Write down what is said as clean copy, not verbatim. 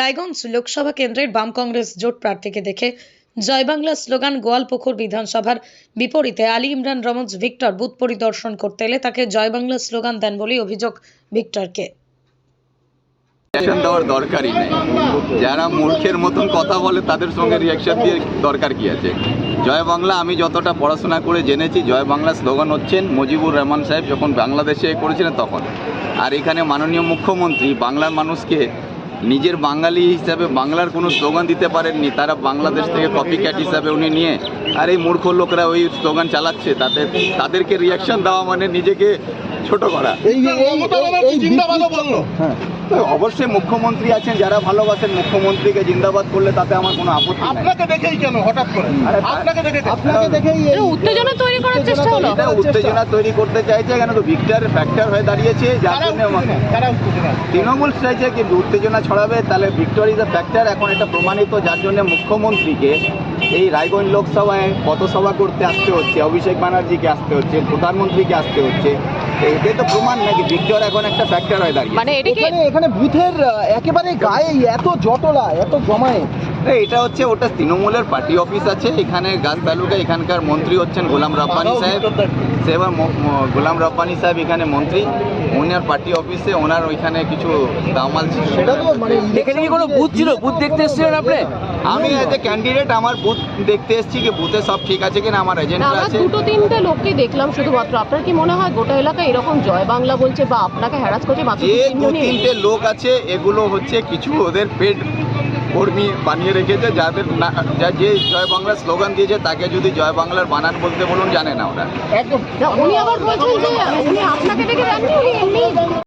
রায়গঞ্জ লোকসভা কেন্দ্রের বাম কংগ্রেস জোট প্রার্থীকে দেখে জয় বাংলা স্লোগান গোয়ালপুকুর বিধানসভার বিপরীতে আলী ইমরান রমজ ভিক্টর বুথ পরিদর্শন করতে এলে তাকে জয় বাংলা স্লোগান দেন বলে অভিযোগ ভিক্টরকে। রিয়াকশন দেওয়ার দরকারই নেই। যারা মূর্খের মতন কথা বলে তাদের সঙ্গে রিয়াকশন দিয়ে দরকার কি আছে? জয় বাংলা আমি যতটা পড়াশোনা করে জেনেছি, জয় বাংলা স্লোগান হচ্ছেন মুজিবুর রহমান সাহেব যখন বাংলাদেশে করেছিলেন তখন। আর এখানে মাননীয় মুখ্যমন্ত্রী বাংলার মানুষকে নিজের বাঙালি হিসাবে বাংলার কোনো স্লোগান দিতে পারেননি, তারা বাংলাদেশ থেকে কপি ক্যাট হিসাবে উনি নিয়ে আর এই মূর্খ লোকরা ওই স্লোগান চালাচ্ছে, তাদেরকে রিয়াকশন দেওয়া মানে নিজেকে ছোট করা। অবশ্যই মুখ্যমন্ত্রী আছেন, যারা ভালোবাসেন মুখ্যমন্ত্রীকে জিন্দাবাদ করলে তাতে আমার কোনো আপত্তি নেই। আপনাকে দেখেই কেন হঠাৎ করে আপনাকে দেখেই উত্তেজনা তৈরি করার চেষ্টা হলো। এটা উত্তেজনা তৈরি করতে চাইছে কেন? তো ভিক্টরের ফ্যাক্টর হয়ে দাঁড়িয়েছে, যার জন্য তৃণমূল চাইছে কি উত্তেজনা ছড়াবে, তাহলে ভিক্টর ইজ এ ফ্যাক্টর। এখন এটা প্রমাণিত, যার জন্য মুখ্যমন্ত্রীকে এই রায়গঞ্জ লোকসভায় পথসভা করতে আসতে হচ্ছে, অভিষেক ব্যানার্জিকে আসতে হচ্ছে, প্রধানমন্ত্রীকে আসতে হচ্ছে। এটাই তো প্রমাণ নাকি ভিক্টর এখন একটা ফ্যাক্টর হয়ে দাঁড়িয়ে। মানে এখানে বুথের একেবারে গায়ে এত জটলা, এত জমায়ে। এটা হচ্ছে ওটা তৃণমূলের পার্টি অফিস আছে এখানে গাছ তালুকা। এখানকার মন্ত্রী হচ্ছেন গোলাম রব্বানী সাহেব। সেবার গোলাম রব্বানী সাহেব এখানে মন্ত্রী, ওনার পার্টি অফিসে ওনার ওইখানে কিছু দামাল ছিল। সেটা তো মানে এখানে কি কোনো বুথ ছিল? বুথ দেখতে এসেছিলেন আপনি? আমি এজ এ ক্যান্ডিডেট আমার বুথ দেখতে এসেছি কি বুথে সব ঠিক আছে কিনা, আমার এজেন্টরা আমরা আছে। দুটো তিনটে লোককে দেখলাম শুধুমাত্র। আপনার কি মনে হয় গোটা এলাকায় এরকম জয় বাংলা বলছে বা আপনাকে হ্যারাস করছে মাত্র যে দু তিনজনই? তিনটে লোক আছে এগুলো হচ্ছে কিছু ওদের পেড কর্মী বানিয়ে রেখেছে, যাদের যে জয় বাংলা স্লোগান দিয়েছে তাকে যদি জয় বাংলার বানান বলতে বলুন জানে না ওরা। একদম না, উনি আবার বলছেন যে উনি আপনাকে